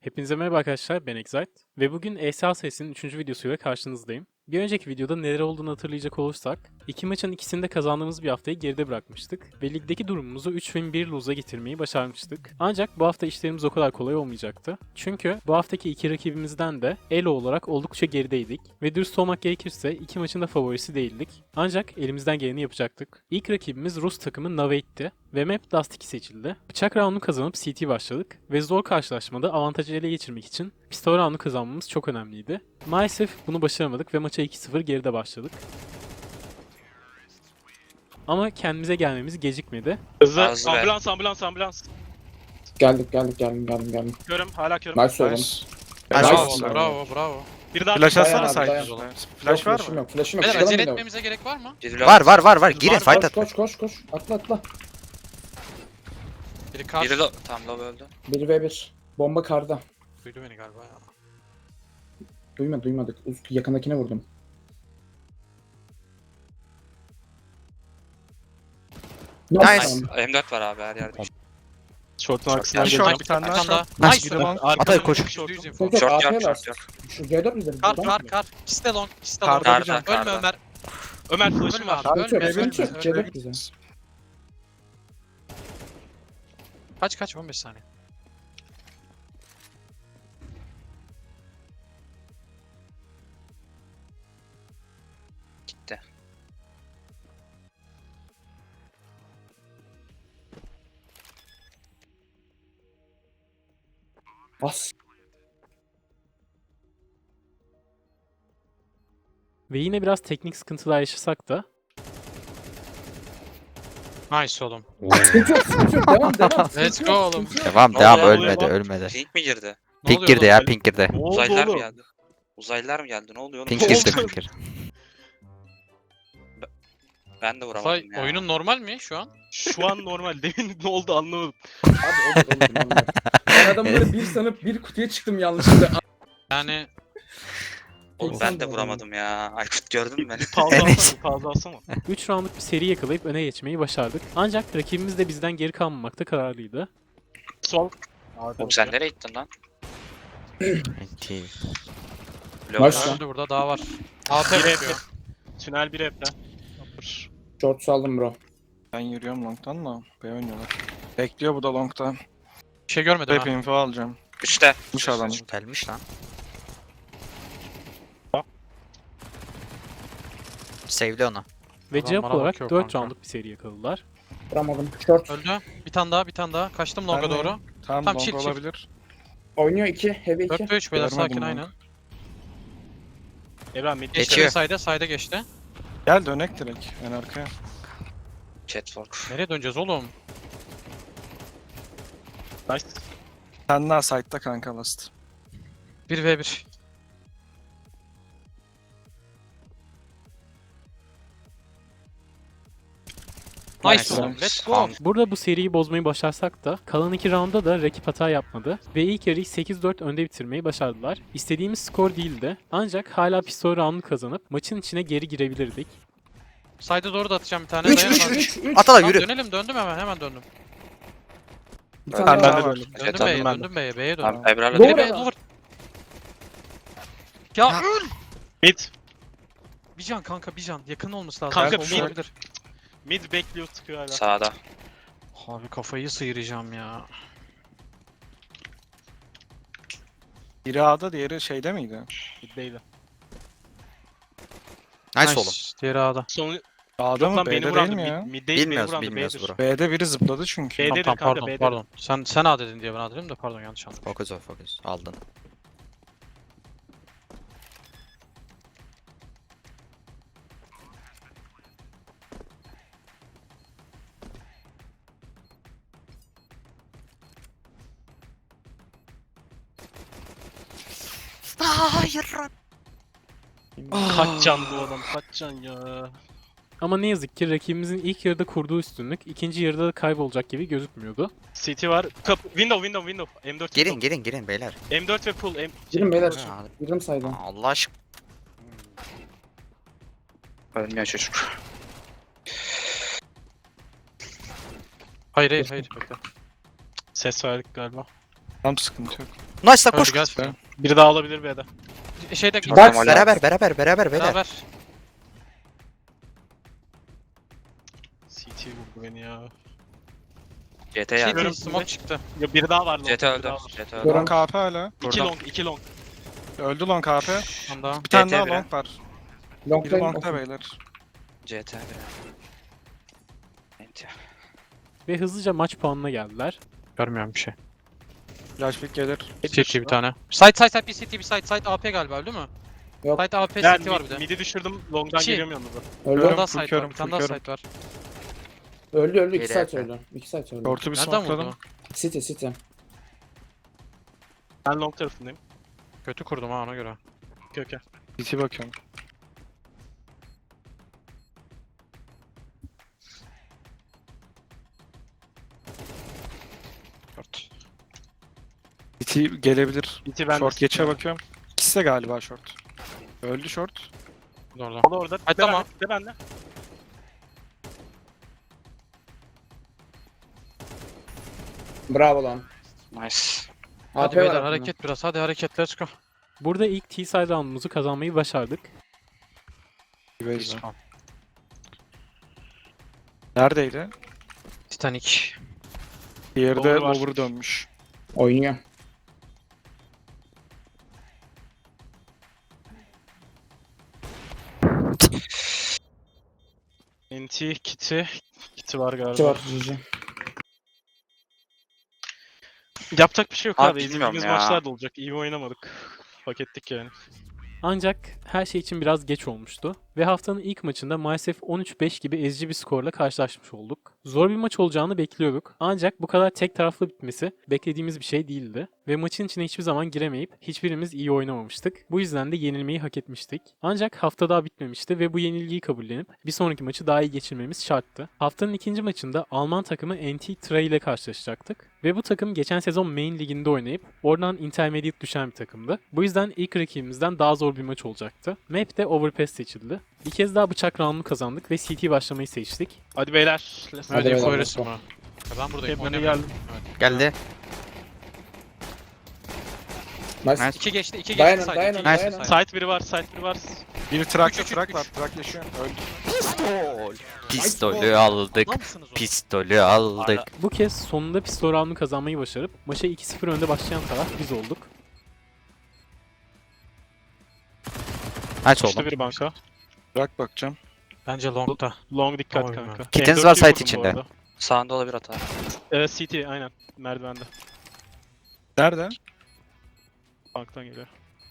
Hepinize merhaba arkadaşlar, ben Excite ve bugün ESA serisinin 3. videosuyla karşınızdayım. Bir önceki videoda neler olduğunu hatırlayacak olursak, iki maçın ikisini de kazandığımız bir haftayı geride bırakmıştık ve ligdeki durumumuzu 3 win 1 lose'a getirmeyi başarmıştık. Ancak bu hafta işlerimiz o kadar kolay olmayacaktı. Çünkü bu haftaki iki rakibimizden de elo olarak oldukça gerideydik ve dürüst olmak gerekirse iki maçın da favorisi değildik. Ancak elimizden geleni yapacaktık. İlk rakibimiz Rus takımı Naveit'ti ve map Dust 2 seçildi. Bıçak round'u kazanıp CT başladık ve zor karşılaşmada avantajı ele geçirmek için pistol round'u kazanmamız çok önemliydi. Maalesef bunu başaramadık ve maça 2-0 geride başladık. Ama kendimize gelmemiz gecikmedi. Hızlı. Ağzı ver. Ambulans. Geldim. Körüm, hala körüm. Nice oğlum. Bravo. Bir daha Flash Dayan atsana abi, dayan. site. Flash var mı? Flash'ım yok. Beyler Çıkalım acele yine. etmemize gerek var mı? Biri Var. Girin Var. fight at. Koş. Atla. Biri kar. Biri tam low öldü. 1v1. Bomba karda. Duydu beni galiba ya. Duymadık. Yakındakine vurdum. Nice. M4 var abi her yerde. Short'un arkasından Bir gelecek. short, bir tane daha Tane daha. short. Nice. Nice. Bir de long. Atay koş. %100 info. Çok Kar. AP Kar. var. Şu C4 üzerinde. Kar. İkisi de long. Karda Ölme bir can. Ömer. Ömer flash'ım Ölme var. abi. Abi Ölme. çok Ölme. C4 bize. Kaç 15 saniye. Gitti. Bas. Ve yine biraz teknik sıkıntılar yaşasak da Nice oğlum. Sıkıntı yok. Devam. Let's go oğlum. Devam Ne oluyor, ölmedi. Pink mi girdi? Ne Pink oluyor girdi oğlum? ya pink girdi. Ne oldu Uzaylılar mı oğlum? geldi? Uzaylılar mı geldi? Ne oluyor oğlum? Pink Ne girdi oldu? pink girdi. Ben de vuramadım ya. Oyunun normal mi şu an? Şu an normal. Demin ne oldu anlamadım. Abi olur. Ben adamları bir sanıp bir kutuya çıktım yanlışlıkla. Yani Oğlum ben de vuramadım ya. Aykut gördün mü beni? Fazla alsana. 3 roundluk bir seri yakalayıp öne geçmeyi başardık. Ancak rakibimiz de bizden geri kalmamakta kararlıydı. Sol. Oğlum sen nereye gittin lan? Enti. Nice. öldü burada daha var. AP Bir yapıyor. Tünel bir hepten. Short saldım bro. Ben yürüyorum long'tan da. B oynuyorlar. Bekliyor bu da long'ta. Bir şey görmedim Hep ha. info alacağım. Üçte. Kuş adam. Gelmiş lan. Sevdi onu. Ve Adam cevap bana olarak bakıyor 4 kanka. roundluk bir seri yakaladılar. Vuramadım. Short. Öldü. Bir tane daha. Kaçtım longa Ben de- doğru. Tamam Tam long çift. olabilir. Oynuyor 2. Heavy 2. 4 ve 3 beyler Görmedim sakin onu. aynen. Evren mid. Geçiyor. Sayda geçti. Gel dönek direkt en arkaya. Catwalk. Nereye döneceğiz oğlum? Nice. Sen daha site'da kanka last. 1v1. Nice Nice. oğlum. Let's go. Burada bu seriyi bozmayı başarsak da kalan 2 roundda da rakip hata yapmadı ve ilk yarıyı 8-4 önde bitirmeyi başardılar. İstediğimiz skor değildi ancak hala pistol round'u kazanıp maçın içine geri girebilirdik. Sayda doğru da atacağım bir tane. 3 Dayanamam. 3. Atala Tamam, yürü. döndüm hemen döndüm. Bir tane Ben daha de var. döndüm. Döndüm Tamam, B'ye, ben de. döndüm B'ye Tamam döndüm. Ebrar'la Doğru. değil. B'ye vur. Ya Mid. bir can kanka bir can. Yakın olması lazım. Kanka, Olmuş mid. olabilir. Mid bekliyor sıkıyor hala. Sağda. Abi kafayı sıyıracağım ya. Biri A'da diğeri şeyde miydi? Middeydi. Nice oğlum. Diğeri A'da. Sonu A'da yok mı lan beni B'de değil vurandı. mi ya? Middeydi beni Bilmiyoruz vurandı. bilmiyoruz B'dir. bro. B'de biri zıpladı çünkü. B'dedir Tamam, kanka pardon B'dedir. pardon. Sen A dedin diye ben A dedim de pardon yanlış anladım. Focus aldın. Kaç can bu adam kaç can ya. Ama ne yazık ki rakibimizin ilk yarıda kurduğu üstünlük ikinci yarıda da kaybolacak gibi gözükmüyordu. CT var. Window. M4 Girin beyler. M4 ve pull. Girin beyler. Ha, Girdim saydım. Allah aşkına. Ölmüyor çocuk. Hayır. Bekle. Ses verdik galiba. Tam sıkıntı yok. Nice lan Öldü koş. gel şimdi. Biri daha olabilir B'de. Şeyde Bak, Bak Tamam, beraber beyler. beraber. CT vurdu beni ya. CT Şey geldi. değil, smoke çıktı. Ya biri daha var. CT öldü. CT öldü. Gören- Long AP hala. 2 Buradan. long, 2 long. Öldü long AP. Tam daha. Bir tane CT daha biri. long var. Biri Long'dayım. long'da beyler. CT biri. Enti. Ve hızlıca maç puanına geldiler. Görmüyorum bir şey. Flashback gelir. CT bir tane. Side bir CT bir side AP galiba değil mi? Yok. Side AP Ben CT var bir de. midi düşürdüm. Long'dan İki. geliyorum yanınıza. Öldü. Bir tane daha full side var. körüm, Bir tane full daha körüm. side var. Öldü. 2 Biri saat yakın. öldü. 2 saat öldü. Short'u bir Nereden smokeladım. vurdu? City. Ben long tarafındayım. Kötü kurdum ha ona göre. Köke. CT bakıyorum. Short. CT gelebilir. CT ben Short geçe bakıyorum. İkisi de galiba short. Öldü short. Orada. O da orada. Ay, De tamam. bende, de bende. Bravo lan. Nice. Hadi AP beyler var hareket biraz. Hadi hareket let's go. Burada ilk T-side roundumuzu kazanmayı başardık. Beyza. Neredeydi? Titanic. Diğeri de Lower var. lower dönmüş. Oynuyor. NT, Kitty. Kitty var galiba. Cıvı var. GG. Yapacak bir şey yok Abi abi. bilmiyorum İzlediğimiz ya. maçlar da olacak. İyi oynamadık. Hak ettik yani. Ancak her şey için biraz geç olmuştu ve haftanın ilk maçında maalesef 13-5 gibi ezici bir skorla karşılaşmış olduk. Zor bir maç olacağını bekliyorduk ancak bu kadar tek taraflı bitmesi beklediğimiz bir şey değildi ve maçın içine hiçbir zaman giremeyip hiçbirimiz iyi oynamamıştık. Bu yüzden de yenilmeyi hak etmiştik. Ancak hafta daha bitmemişti ve bu yenilgiyi kabullenip bir sonraki maçı daha iyi geçirmemiz şarttı. Haftanın ikinci maçında Alman takımı NT Tray ile karşılaşacaktık ve bu takım geçen sezon Main Ligi'nde oynayıp oradan Intermediate düşen bir takımdı. Bu yüzden ilk rakibimizden daha zor bir maç olacaktı. Map de Overpass seçildi. Bir kez daha bıçak roundunu kazandık ve CT başlamayı seçtik. Hadi beyler. Let's Hadi beyler, info let's verirsin go. bana. Ben buradayım. Hep öne oynamıyorum. geldim. Evet. Geldi. Nice. Nice. 2 geçti, 2 Dayanın, geçti. dayanın, Side, dayanın. iki geçti, Site biri var, site biri var. Biri track, Üç, üç, track üç, var. üç. Track yaşıyor. Öldü. Pistolü aldık. Adamsınız oğlum. Pistolü aldık. Bu kez sonunda pistol roundunu kazanmayı başarıp maça 2-0 önde başlayan taraf biz olduk. Aç İşte oğlum. bir banka. Track bakacağım. Bence long'da. Long dikkat Oy kanka. be. Kittens M4'ü var site vurdum bu içinde. arada. Sağında olabilir hata. CT aynen. Merdivende. Nerede? Banktan geliyor.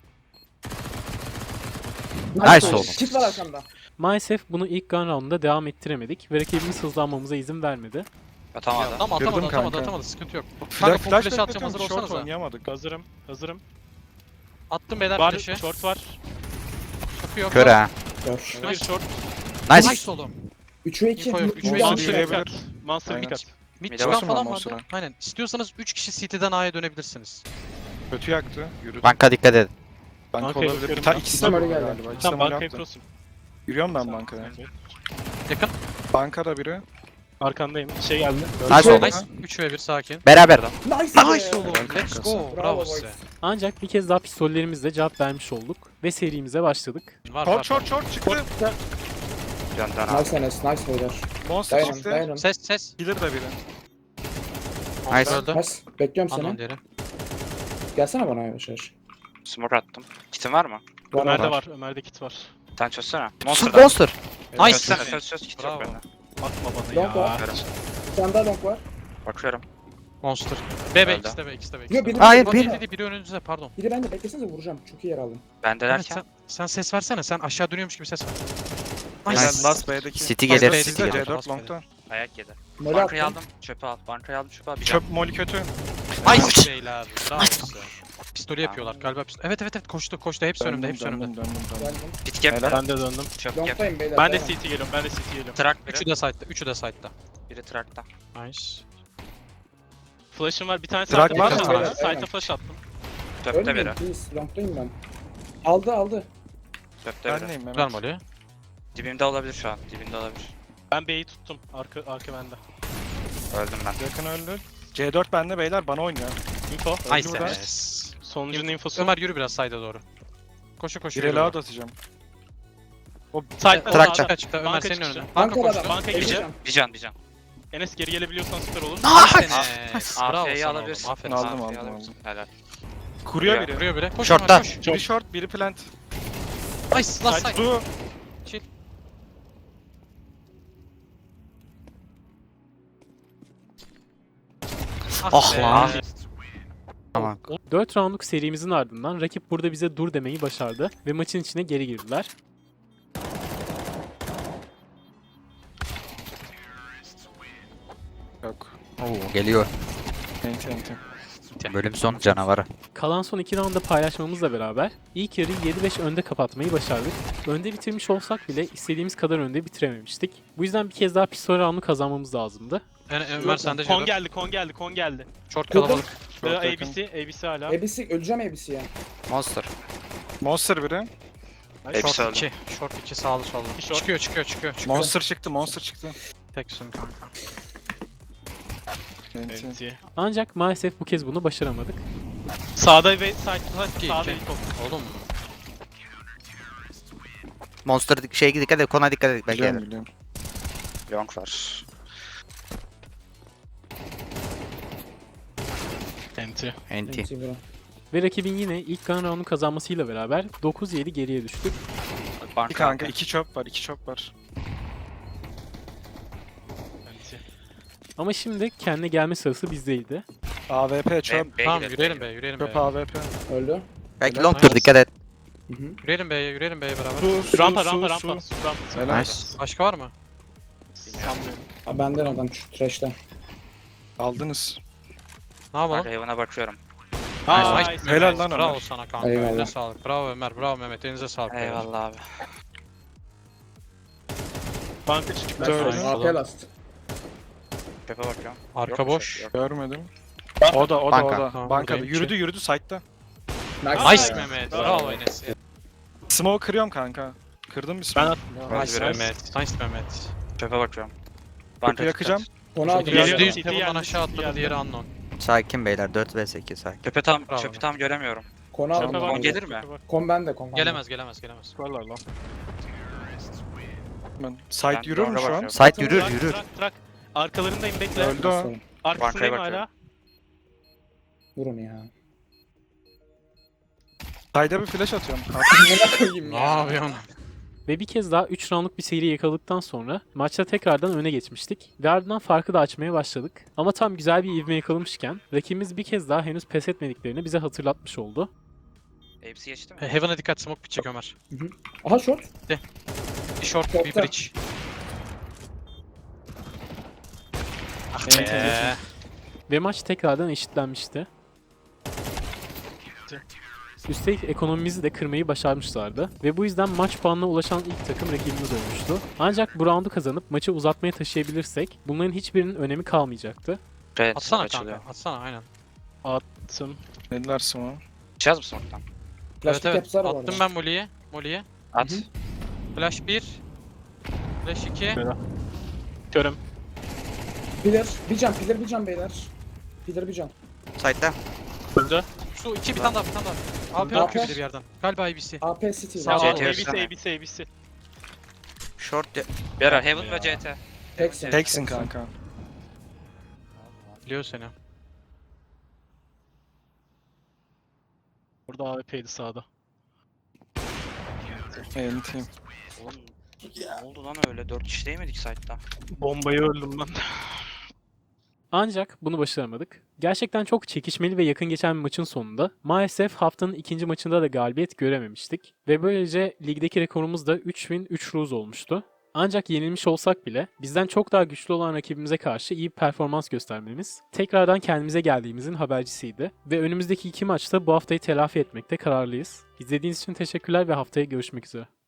Nice oğlum. Kit var arkamda. Maalesef bunu ilk gun roundunda devam ettiremedik ve rakibimiz hızlanmamıza izin vermedi. Atamadı. Tamam Girdim atamadı kanka. Sıkıntı yok. Flash, full flash flash atacağım, hazır short olsanıza. oynayamadık. Hazırım. Attım beyler Var, flash'ı. short var. Bakıyor. Kör ha. Gör. Bir short. Nice. Nice oğlum. 3'e 2. Info yok, 3'e iki. Monster Diyebilir. dikkat. Monster Aynen. dikkat. Mid Mide çıkan basın falan ama o vardı. sıra. Aynen. İstiyorsanız 3 kişi CT'den A'ya dönebilirsiniz. Kötü yaktı. Yürüdü. Banka dikkat edin. Banka Bankaya olabilir. bakıyorum Ta ben. ikisi de Tamam, burada öyle geldi. galiba. İkisi de Tamam böyle bankaya yaptı. cross'um. Yürüyorum ben bankaya. Yakın. Bankada biri. Arkandayım. Şey geldi. Nice oğlum. Nice. 3 ve 1 sakin. Beraber. Nice. Nice oğlum. Let's go. Bravo boys. size. Ancak bir kez daha pistollerimizle cevap vermiş olduk ve serimize başladık. Var Short var. short short çıktı. Dön dön abi. Nice Enes. Nice beyler. Monster Dayanın çıktı. dayanın. Ses. Killer de biri. Nice. Öldü. Nice. Bekliyorum Anlam seni. diğeri. Gelsene bana yavaş yavaş. Smoke attım. Kitin var mı? Var Ömer'de var. var. Ömer'de kit var. Sen çözsene. Monster. Monster. Nice. Çözsene çöz kit yok Bravo. bende. Atma bana Long var. ya. Bir tane daha long var. Bakıyorum. Monster. B Öldü. ikisi de B ikisi de B. Yo biri Hayır, biri, bir- Biri önünüzde pardon. biri bende beklesenize vuracağım. Çok iyi yer aldım. Bende Evet, derken. sen ses versene. Sen aşağı dönüyormuş gibi ses ver. Nice. Nice. Last B'deki. City Last gelir, B City sizde, gelir. C4 long'da. Ayak yedi. Mole Bankayı attım. aldım. Çöpe al. Bankayı aldım çöpe al. Bir Çöp molly kötü. Nice beyler. Bravo size. Pistolü yapıyorlar galiba. Evet koştu hepsi önümde hepsi önümde. Döndüm. Geldim. Pit gap. Helal. Ben de döndüm. Çöp gap. Long'dayım beyler. Ben de dayanın. CT geliyorum. Ben de CT geliyorum. Track Üçü biri. de side'da. Üçü de side'da. Biri trackta. Nice. Flash'ım var. Bir tane Drag site'e var flash mı? attım. Aynen. Site'e flash attım. Çöpte Ölmeyin biri. please. Long'dayım ben. Aldı. Çöpte Ben biri. neyim Güzel Mehmet? molly. Dibimde olabilir şu an. Dibimde olabilir. Ben B'yi tuttum. Arka bende. Öldüm ben. Yakın öldü. C4 bende beyler bana oynuyor. Info. Nice. Burada. Yes. Sonucunun infosu. Ömer yürü biraz side'a doğru. Koşu koşu. Bir yürü. reload atacağım. Side'da Trakça. sağda. Çıktı. Ömer Banka senin çıkışı. önüne. Banka Banka koştu. adam. Banka Elli gireceğim. can. Bir can. Enes geri gelebiliyorsan süper olur. Nice. Bravo AF'yi sana alabilirsin. oğlum. Aferin. Aldım, AF'yi aldım, alabilirsin. Helal. Kuruyor Ya. biri. Vuruyor biri. Koş Short'ta. Ömer koş. Biri short, biri plant. Nice. Last side. Su. Ah be. lan. Tamam. 4 roundluk serimizin ardından rakip burada bize dur demeyi başardı ve maçın içine geri girdiler. Yok. Oo, geliyor. Enti enti. Bölüm sonu canavarı. Kalan son 2 roundda paylaşmamızla beraber ilk yarıyı 7-5 önde kapatmayı başardık. Önde bitirmiş olsak bile istediğimiz kadar önde bitirememiştik. Bu yüzden bir kez daha pistol roundu kazanmamız lazımdı. Ömer sende Kon Jadon. geldi, kon geldi, kon geldi. Short Kırdım. kalabalık. Short yakın. ABC hala. ABC öleceğim ABC ya. Monster. Monster biri. Hepsi Short öldü. 2. Short 2 sağlı sollu. Bir short. Çıkıyor. Monster çıktı, monster çıktı. Teksin kanka. Enti. Ancak maalesef bu kez bunu başaramadık. Sağda ve sağda iki. Oğlum. Monster şeye dikkat et, kona dikkat et. Belki Biliyorum gelir. biliyorum. Long var. Enti. Enti. MC bro. Ve rakibin yine ilk gun round'u kazanmasıyla beraber 9-7 geriye düştük. Banka. Bir kanka, iki chop var, iki chop var. Ama şimdi kendine gelme sırası bizdeydi. AWP chop. Tamam yürüyelim Chop be. AWP. Öldü. Belki Helal. longtur, dikkat et. Hı hı. Yürüyelim B'ye beraber. Rampa. Helal. Nice. Başka var mı? Ha, benden adam şu trash'ten. Aldınız. Ne yapalım? Kanka Heaven'a bakıyorum. Nice. Helal lan Bravo Ömer. sana kanka. Eyvallah. Eline sağlık. Bravo Ömer. Bravo Mehmet. Elinize sağlık. beyler. Eyvallah abi. Banka çıktı. Dördü. AP last. Tepe bakıyorum. Arka Yok bir boş. şey, yok. Görmedim. O da. Banka. Tamam, Bankada. buradayım. Yürüdü side'da. Nice Mehmet. Bravo Enes. Smoke kırıyorum kanka. Kırdım bir Ben smoke. attım. Nice Mehmet. Nice Mehmet. Tepe bakıyorum. Kapı yakacağım. Konu aldı. Geliyor. %100 City Heaven'dan geldi, aşağı City atladı. geldi. Diğeri unknown. Sakin beyler, 4 vs 2 sakin. Tepe tam, Bravo. çöpü tam göremiyorum. Konu Tepe aldı. var. Kon gelir mi? Kon bende kon. bende. Gelemez. Varlar lan. Ben side Ben yürür mü longa şu an? bakıyorum. Site yürür. Trak. Arkalarındayım bekle. Öldü o. Sorun. Arkasındayım Bankaya hala. Vurun ya. Side'a bir flash atıyorum. Ne koyayım Ne ya. yapıyorsun? Ve bir kez daha 3 roundluk bir seri yakaladıktan sonra maçta tekrardan öne geçmiştik ve ardından farkı da açmaya başladık. Ama tam güzel bir ivme yakalamışken rakibimiz bir kez daha henüz pes etmediklerini bize hatırlatmış oldu. Hepsi geçti mi? Heaven'a dikkat. Smoke bitecek Ömer. Aha short. Bir short, bir Short'ta. bridge. Ah Evet, be. Ve maç tekrardan eşitlenmişti. Üstelik ekonomimizi de kırmayı başarmışlardı ve bu yüzden maç puanına ulaşan ilk takım rakibimiz olmuştu. Ancak bu roundu kazanıp maçı uzatmaya taşıyabilirsek bunların hiçbirinin önemi kalmayacaktı. Evet, Atsana açılıyor. kanka. Atsana aynen. Attım. Dediler smoke. Çıkacağız mı smoke'tan? Plastik yapsar var. Attım ben Molly'ye. At. Flash 1. Flash 2. Körüm. Pillar. Bir can beyler. Pillar bir can. Site'da. Öldü. Su 2 bir tane daha. AP AP. atıyor bir de bir yerden. Galiba IBC. AP City. Sağ ol. CT ABC, versene. ABC. Short. Bir ara Heaven ve CT. Teksin. Teksin kanka. Biliyor seni. Burada AWP'ydi sağda. Enti. Oğlum ne oldu lan öyle? 4 kişi değil miydik site'da? Bombayı öldüm ben. Ancak bunu başaramadık. Gerçekten çok çekişmeli ve yakın geçen bir maçın sonunda maalesef haftanın ikinci maçında da galibiyet görememiştik. Ve böylece ligdeki rekorumuz da 3 win 3 lose olmuştu. Ancak yenilmiş olsak bile bizden çok daha güçlü olan rakibimize karşı iyi bir performans göstermemiz tekrardan kendimize geldiğimizin habercisiydi. Ve önümüzdeki iki maçta bu haftayı telafi etmekte kararlıyız. İzlediğiniz için teşekkürler ve haftaya görüşmek üzere.